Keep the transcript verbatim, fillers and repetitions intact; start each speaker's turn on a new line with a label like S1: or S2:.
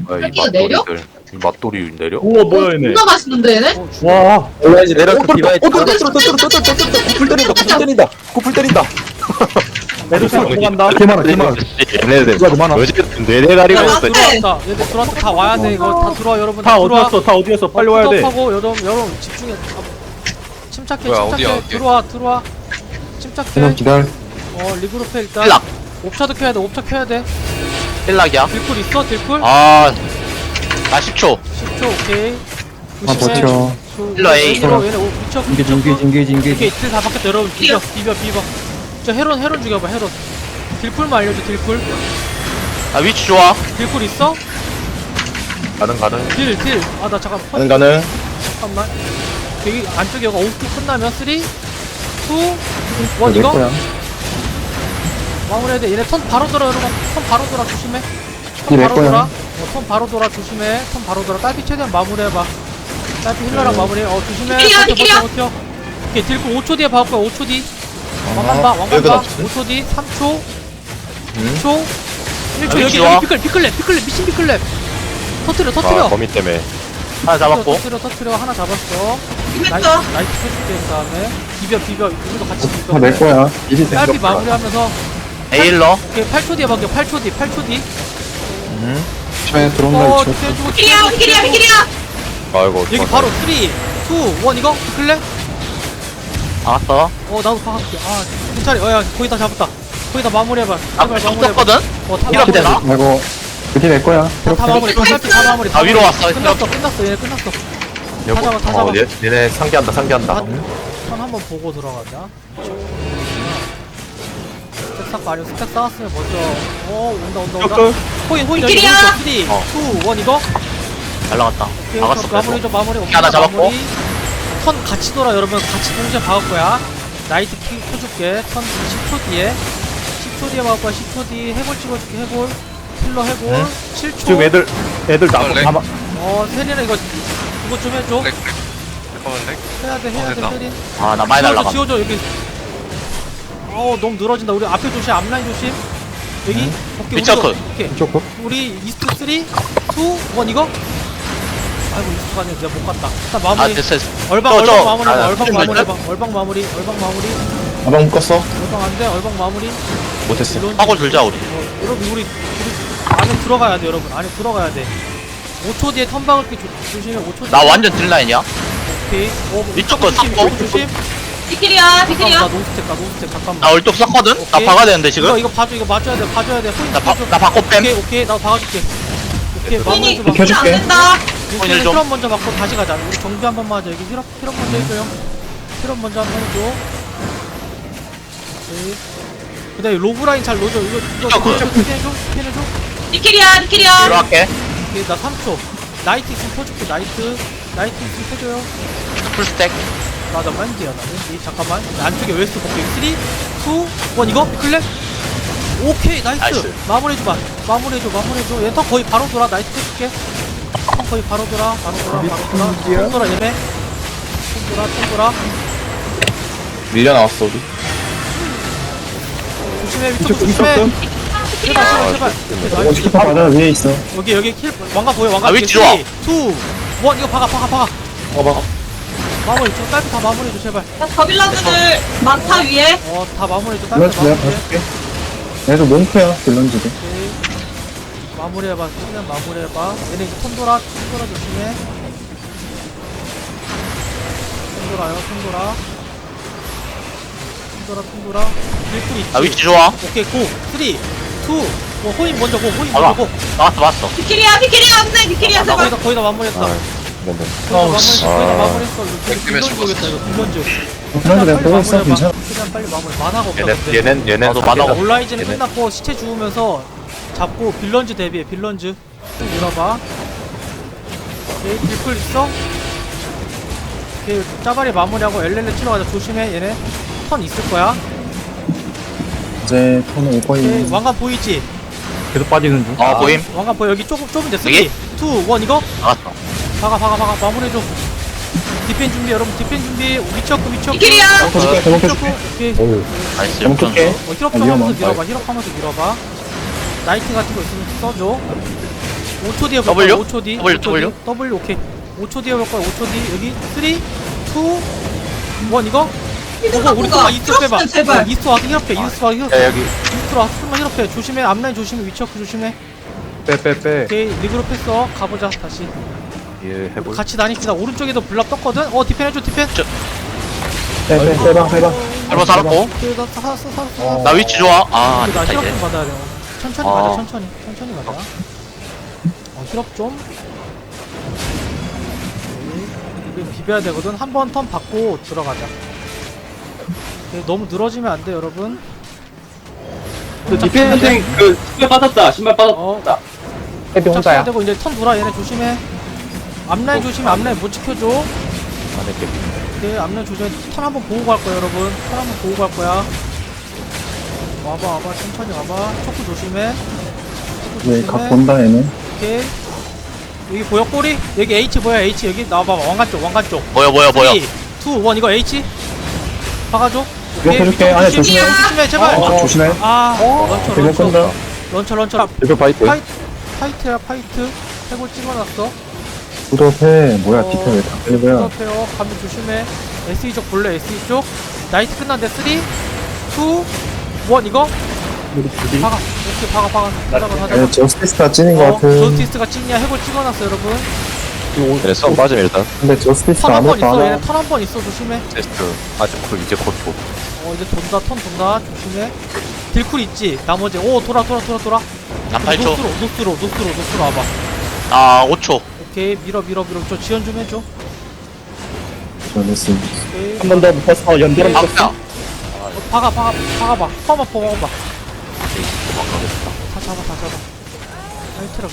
S1: 아, 이
S2: 여기가 내려?
S1: 맛돌이들. 이 맛돌이 내려?
S3: 우와 뭐야 얘네.
S2: 존나 맛있는데 얘네?
S3: 와.
S4: 올라야지 내려서 디바이스.
S1: 어, 뚫었다, 뚫었다, 뚫었다, 뚫었다, 뚫었다. 구풀 때린다, 구풀 때린다. 구풀 때린다.
S3: 메르시 넘어간다.
S4: 개 많아 개 많아.
S1: 얘네들
S4: 누가 더 많아?
S1: 뇌대 가리고
S2: 야,
S1: 있어.
S2: 네.
S5: 들어왔다. 얘들 들어왔다. 다 와야 돼. 이거 다 들어와 여러분.
S3: 다
S5: 들어와.
S3: 어디였어? 다 어디였어? 빨리
S5: 어,
S3: 와야 돼.
S5: 하고 여러분 여러분 집중해. 아, 침착해.
S6: 뭐야,
S5: 침착해.
S6: 어디야, 어디?
S5: 들어와 들어와. 침착해.
S4: 그냥 기다려.
S5: 어 리그룹해 일단.
S1: 힐락.
S5: 옵차도 켜야 돼. 옵차 켜야 돼.
S1: 힐락이야.
S5: 딜쿨 있어? 딜쿨?
S1: 아, 나 십 초.
S5: 십 초 오케이.
S4: 아 버텨.
S5: 힐러
S1: A.
S5: 얘네 오 미쳐.
S4: 인게지 인게지 인게지
S5: 오케이
S4: 인게지.
S5: 딜다 바뀌었다 여러분. 비벼 비벼 비벼. 저 헤론 헤론 죽여봐 헤론. 딜쿨만 알려줘 딜쿨.
S1: 아, 위치 좋아.
S5: 딜쿨 있어?
S1: 가능, 가능.
S5: 딜 딜. 아 나 잠깐.
S4: 가능 가능.
S5: 잠깐만. 여기 안쪽에 여기 오프 끝나면 삼, 이, 일
S4: 내
S5: 이거?
S4: 거야.
S5: 마무리해야 돼. 얘네 턴 바로 돌아 여러분. 턴 바로 돌아 조심해.
S4: 이게
S5: 턴
S4: 내
S5: 바로
S4: 거야.
S5: 돌아. 어, 턴 바로 돌아 조심해. 턴 바로 돌아. 딸피 최대한 마무리해봐. 딸피 힐러랑 마무리해. 어 조심해.
S2: 딜이야,
S5: 버텨
S2: 딜이야.
S5: 버텨 버텨. 오케이 딜고 오 초 뒤에 봐올 거야. 오 초 뒤.
S4: 아,
S5: 왕관 봐. 왕관
S4: 여기다
S5: 봐.
S4: 없지?
S5: 오 초 뒤. 삼 초.
S4: 음.
S5: 이 초. 일 초
S1: 아,
S5: 여기
S1: 좋아.
S5: 여기 피클 피클랩 피클랩 미친 피클랩. 터트려
S1: 아,
S5: 터트려.
S1: 거미 때문에. 하나 잡았고.
S5: 터트려 터트려 하나 잡았어. 나이트
S2: 이겼어.
S5: 나이트 해줄게 그 다음에 비벼 비벼 우리도 같이 비벼.
S4: 다 내 거야. 이제
S5: 딸피 마무리하면서
S1: 에일러.
S5: 오케이 팔 초 뒤에 밖에 팔 초 뒤 팔 초 뒤.
S4: 처에 들어온
S5: 어
S4: 거 있죠.
S5: 뒤에주고
S2: 비키리야 비키리야 비키리야.
S1: 아이고.
S5: 여기 바로 삼, 이, 일 이거 클래?
S1: 알았어.
S5: 어 나도 박을게. 아 괜찮아. 어야 거의 다 잡았다. 거의 다 마무리해봐.
S1: 아,
S5: 제발 마무리해봐.
S1: 썼거든?
S5: 어다
S1: 이렇게
S5: 마무리해봐.
S1: 되나?
S4: 아이고. 그게 내 거야.
S5: 다, 다 마무리. 딸피 다 마무리.
S1: 다 위로 왔어.
S5: 끝났어 끝났어 얘 끝났어. 다 잡아 다
S1: 어,
S5: 잡아.
S1: 얘, 얘네 상기한다, 상기한다.
S5: 선 한번 보고 들어가자. 스택 쌓고 아니면 스택 쌓았으면 먼저 어 온다 온다 온다.
S3: 격돌.
S5: 호인 호인 여기
S2: 비키리야.
S5: 삼, 이, 일
S1: 어.
S5: 이거?
S1: 잘 나갔다.
S5: 오케이,
S1: 나갔어,
S5: 마무리
S1: 그래서.
S5: 좀 마무리. 오케이,
S1: 하나 잡았고.
S5: 마무리. 턴 같이 돌아 여러분. 같이 동시에 박을 거야. 나이트 키 켜줄게. 턴 십 초 뒤에. 십 초 뒤에 박을 거야. 십 초 뒤 해골 찍어줄게. 해골. 킬러 해골.
S1: 네.
S5: 칠 초.
S3: 지금 애들 애들 나
S6: 렉.
S3: 다 막-
S5: 어 세린아 이거 이거 좀 해줘.
S6: 렉, 렉. 잠깐만, 렉.
S5: 해야 돼 해야
S6: 어,
S5: 돼
S6: 됐다.
S5: 세린.
S1: 아, 나 많이
S5: 지워줘
S1: 날라가.
S5: 지워줘 여기. 어 너무 늘어진다. 우리 앞에 조심 앞라인 조심. 여기 오케이
S1: 미쳐,
S5: 우리도-
S1: 컷.
S5: 오케이
S4: 좋고.
S5: 우리 이스트 삼, 이, 일 이거. 아이고 이스트가 아니라 내가 못 갔다. 일단 마무리.
S1: 아, 됐어, 됐어.
S5: 얼방
S1: 저,
S5: 얼방
S1: 저.
S5: 마무리.
S1: 아,
S5: 얼방
S1: 좀
S5: 마무리
S1: 됐다.
S5: 해봐. 얼방 마무리. 얼방 마무리.
S4: 아방 묶었어.
S5: 얼방 안돼. 얼방 마무리.
S4: 못했어.
S5: 이런-
S1: 하고 들자, 우리.
S5: 어, 여러분 우리 우리 안에 들어가야 돼 여러분. 안에 들어가야 돼. 오 초 뒤에 턴 박을 게 조- 조심해. 오 초 뒤에.
S1: 나 완전 딜라인이야.
S5: 오케이. 어,
S1: 이쪽 거
S5: 조심.
S1: 섞어.
S5: 이쪽 조심.
S2: 비키리야
S5: 잠깐만 나
S2: 비키리야.
S5: 노스텝 가 노스텝 잠깐만.
S1: 나 얼뚝 썼거든? 나
S5: 오케이.
S1: 박아야 되는데,
S5: 이거
S1: 지금?
S5: 이거 봐줘. 이거 맞줘야 돼. 봐줘야 돼. 호인
S1: 나, 바,
S5: 봐줘.
S1: 나 바꿔 뺨.
S5: 오케이 오케이 나도 박아줄게. 오케이 마무리
S2: 비키니
S5: 좀
S4: 비켜.
S2: 비키리 안
S4: 켜줄게.
S2: 된다.
S1: 오늘
S5: 일단
S1: 좀.
S5: 힐업 먼저 받고 다시 가자. 우리 정비 한 번만 하자. 여기 힐업 힐업 먼저 해줘요. 힐업 먼저 한 번 해줘. 오케이. 그다음에 로브 라인 잘 넣어줘. 이거 이거
S1: 이거 그-
S5: 좀 피해줘. 피해줘.
S2: 비키리야 비키리야.
S1: 들어갈게.
S5: 오케이 나 삼 초. 나이트 있으면 펴줄게. 나이트. 나이트 있으면 펴줘요.
S1: 풀스택.
S5: 나나 맨디야 나 맨디. 잠깐만. 안쪽에 웨스트 볼게. 삼, 이, 일 이거 클랩. 오케이 나이스.
S1: 나이스.
S5: 마무리해줘봐. 마무리해줘 마무리해줘. 얘 턴 거의 바로 돌아. 나이트 해줄게. 턴 거의 바로 돌아. 바로 돌아. 바로 돌아. 턴 돌아 얘네. 턴 돌아. 턴 돌아.
S4: 밀려 나왔어 우리.
S5: 조심해. 위쪽
S3: 이쪽
S5: 조심해.
S3: 이쪽
S5: 제발 제발 제발.
S4: 이거
S5: 나이스.
S4: 스킵 맞아 위에 있어.
S5: 여기 여기 킬 왕관 보여. 왕관.
S1: 아, 위치 좋아.
S5: 삼, 이, 일 이거 박아 박아 박아.
S4: 어봐.
S5: 마무리. 좀 딸피 다 마무리해줘 제발.
S2: 야, 거빌라드들 많다 위에.
S5: 어 다 마무리해줘. 딸피
S4: 밸런스
S5: 다
S4: 내가
S5: 마무리해.
S4: 봐줄게. 얘도 몽크야 밸런스도.
S5: 오케이. 마무리해봐. 최대한 마무리해봐. 얘네 이제 턴 돌아. 턴 돌아 조심해. 턴 돌아요. 턴 돌아. 턴 돌아. 턴 돌아. 일풀 있지.
S1: 나 위치 좋아.
S5: 오케이 고. 삼, 이, 뭐 호인 먼저 고. 호인
S1: 알아.
S5: 먼저 고.
S1: 나왔어, 나왔어.
S2: 비키리야 비키리야 안돼 비키리야
S5: 나 거의
S2: 제발.
S5: 다 거의 다 마무리했다. 거의
S4: 네네.
S5: 다 마무리했어. 거의 다
S1: 아.
S5: 마무리했어. 이거
S6: 백 때문에
S5: 빌런즈 오겠다 이거 빌런즈.
S4: 그래도 내가 보고 있어 괜찮아.
S5: 최대한 빨리 마무리. 만화가 없다.
S1: 얘네,
S5: 그때.
S1: 얘넨, 얘넨.
S5: 나도
S1: 상기다.
S5: 만화가 온라이즈는
S1: 얘네.
S5: 끝났고 시체 주우면서 잡고 빌런즈 대비해. 빌런즈 좀 밀어봐. 오케이 딜풀 있어? 오케이 짜발이 마무리하고 엘렐레 치러 가자. 조심해 얘네 턴 있을 거야.
S4: 이제 턴은 올
S5: 오케이
S4: 거임.
S5: 왕관 보이지?
S3: 계속 빠지는 중.
S1: 어, 보임.
S5: 왕관 보여. 여기 조금 좁은데 삼, 이,
S1: 여기?
S5: 일 이거?
S1: 나갔어.
S5: 박아 박아 박아 마무리해줘. 디펜 준비 여러분. 디펜 준비. 위쳐크 위쳐크.
S2: 비키리야.
S4: 해줄게. 대목
S5: 위쳐크.
S4: 해줄게.
S5: 오케이
S4: 어우.
S1: 나이스.
S4: 잘못
S1: 역전.
S4: 끌게.
S5: 어, 힐업
S4: 아,
S5: 좀 하면서
S4: 위험한
S5: 밀어봐. 힐업 하면서 밀어봐. 나이트 같은 거 있으면 써줘. 오 초 뒤에 볼 거야.
S6: W?
S5: 오 초 뒤.
S6: W,
S5: 오 초 뒤. W 오케이. 오 초 뒤에 볼 거야. 오 초 뒤. 여기 삼, 이, 일 이거? 이거 우리 좀만 이스트 빼봐. 어,
S2: 제발.
S5: 이스트 와서 힐업해. 이스트 와서 힐업해.
S1: 야 여기
S5: 이스트 와서 좀만 힐업해. 조심해. 앞라인 조심해. 위쳐크 조심해.
S3: 빼빼빼
S5: 오케이. 리그룹 했어. 가보자. 다시.
S3: 예 해볼
S5: 같이 다닙시다. 오른쪽에도 블랍 떴거든. 어 디펜 해줘. 디펜.
S4: 빼빼 빼방 빼방.
S6: 한번 살았고.
S5: 오케이. 나 살았어. 살았어.
S6: 나 위치 좋아. 아,
S5: 근데 나
S6: 됐다,
S5: 힐업
S6: 이제.
S5: 좀 받아야 돼. 천천히
S6: 아.
S5: 가자. 천천히. 천천히 가자. 어 힐업 좀. 오케이. 이거 비벼야 되거든. 한 번 턴 받고 들어가자. 오케이. 너무 늘어지면 안 돼, 여러분.
S7: 디펜딩 그 신발 빠졌다 신발
S5: 어.
S7: 빠졌다
S4: 헤비
S5: 혼자야.
S4: 혼자야.
S5: 되고 이제 턴 돌아. 얘네 조심해. 앞라인 조심해. 앞라인 못 지켜줘.
S1: 안에 게
S5: 오케이. 앞라인 조심해. 턴 한번 보고 갈 거야, 여러분. 턴 한번 보고 갈 거야. 와봐, 와봐. 천천히 와봐. 초크 조심해. 초크
S4: 네,
S5: 조심해.
S4: 각 본다 얘네.
S5: 오케이. 여기 보여 꼬리? 여기 H 보여 H 여기 나와봐 왕관 쪽 왕관 쪽
S6: 뭐야, 뭐야, 뭐야.
S5: 삼, 이, 일 이거 H 박아줘.
S4: 이거 해줄게. 안에 조심해.
S5: 조심해 제발.
S4: 어, 조심해.
S5: 아 런처
S4: 대면
S5: 런처
S4: 끈다.
S5: 런처 런처
S1: 이거 파이트
S5: 파이트 파이트야 파이트 해골 찍어놨어.
S4: 구독해. 뭐야
S5: 어,
S4: 디펜 왜다 끌고야.
S5: 옆에요 가면 조심해. 에스이 쪽 볼래 에스이 쪽 나이트 끝난데 삼, 이, 일 이거 박아 이렇게 박아 박아 하다가 하다가
S4: 얘 저스티스가 찐인 것
S5: 어
S4: 같은.
S5: 저스티스가 찐이야. 해골 찍어놨어 여러분.
S1: 얘네 썸 빠짐 일단
S4: 근데 저스티스가
S5: 턴 한 번
S4: 아무것도 안
S5: 있어. 얘네
S4: 해.
S5: 턴 한 번 있어. 조심해.
S1: 테스트 아직 그 이제 곧 곧.
S5: 어 이제 돈다. 턴 돈다. 조심해. 딜쿨 있지. 나머지 오 돌아 돌아 돌아 돌아.
S6: 나 팔 초.
S5: 노스로 노스로 노스로 노스로 와봐.
S6: 아, 오 초.
S5: 오케이 밀어 밀어 밀어. 저 지연 좀 해줘.
S4: 저네스.
S5: 오케이.
S3: 한 번 더 붙어서 연결을
S6: 박사.
S5: 어, 박아 박아 박아봐. 퍼마 퍼마 봐. 다 잡아 다 잡아. 하이트라